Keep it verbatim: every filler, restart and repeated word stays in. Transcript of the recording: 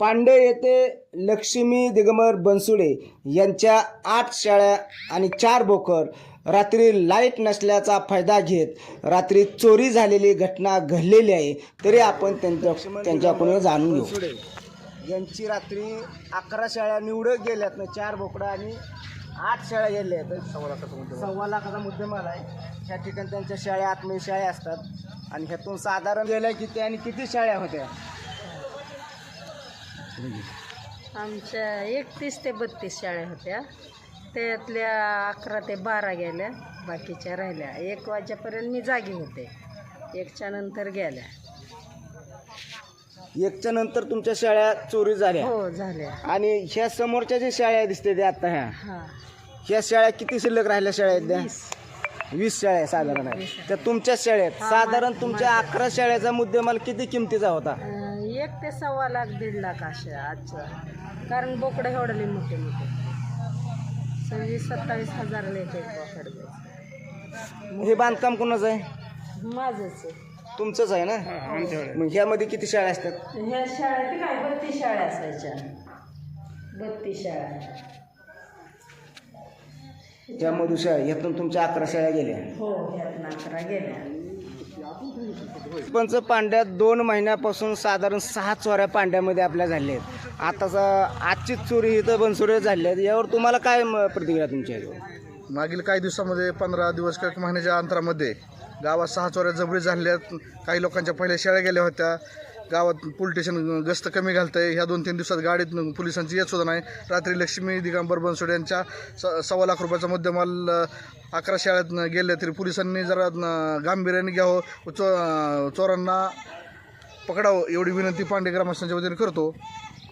पांडे येथे लक्ष्मी दिगंबर बनसोडे यांच्या आठ शेळ्या आणि चार बोकड रात्री लाईट नसल्याचा फायदा घेत रात्री चोरी झालेली घटना घडलेली आहे. तरी आपण त्यांच्या त्यांच्याकडून जाणून घेऊ. यांची रात्री अकरा शेळ्या निवडत गेल्यात ना, चार बोकडं आणि आठ शेळ्या गेल्या आहेत. सव्वा लाखाचा मुद्देमाल सव्वा लाखाचा मुद्देमाल आहे. ह्या ठिकाणी त्यांच्या शेळ्या आतमध्ये शेळ्या असतात आणि ह्यातून साधारण गेल्या किती आणि किती शेळ्या होत्या? आमच्या एकतीस ते बत्तीस शाळा होत्या. त्यातल्या अकरा ते बारा गेल्या, बाकीच्या राहिल्या. एक वाजेपर्यंत मी जागी होते, एकच्या नंतर गेल्या. एकच्या नंतर तुमच्या शेळ्या चोरी झाल्या? हो, झाल्या. आणि ह्या समोरच्या ज्या शेळ्या दिसते त्या आता ह्या हां, ह्या शेळ्या किती शिल्लक राहिल्या शेळ्या आहेत त्या? वीस शेळ्या साधारण आहे त्या तुमच्या शेळ्यात. साधारण तुमच्या अकरा शेळ्याचा मुद्देमाल किती किमतीचा होता? अं, एक ते सव्वा लाख दीड लाख अशा आजच्या, कारण बोकडं एवढले मोठे मोठे सव्वीस सत्तावीस हजाराला एक एक बोकड द्यायचं. हे बांधकाम कोणाचं आहे? माझंच आहे. तुमचंच आहे ना? मग ह्यामध्ये किती शाळा असतात? ह्या शाळेत काय बत्तीस शाळा असायच्या, बत्तीस शाळा. त्यामधून शाळा ह्यातून तुमच्या अकरा शाळा गेल्या? हो, ह्यातनं अकरा गेल्या. पंच पांड्यात दोन महिन्यापासून साधारण सहा चोऱ्या पांड्यामध्ये आपल्या झाल्या आहेत. आता आजची चोरी इथं बनसोडे झाली आहेत. यावर तुम्हाला काय म- प्रतिक्रिया तुमच्या आहे? मागील काही दिवसामध्ये पंधरा दिवस किंवा महिन्याच्या अंतरामध्ये गावात सहा चोऱ्या जबरी झाल्या. काही लोकांच्या पहिल्या शेळ्या गेल्या होत्या. गावात पोलीस स्टेशन गस्त कमी घालतं आहे. ह्या दोन तीन दिवसात गाडीत पोलिसांची येत सुद्धा नाही. रात्री लक्ष्मी दिगंबर बनसोडे यांच्या स सव्वा लाख रुपयाचा मुद्देमाल अकरा शाळेत गेले. तरी पोलिसांनी जरा न- गांभीर्याने घ्यावं, चो चोरांना पकडावं एवढी विनंती पांडे ग्रामस्थांच्या वतीने करतो.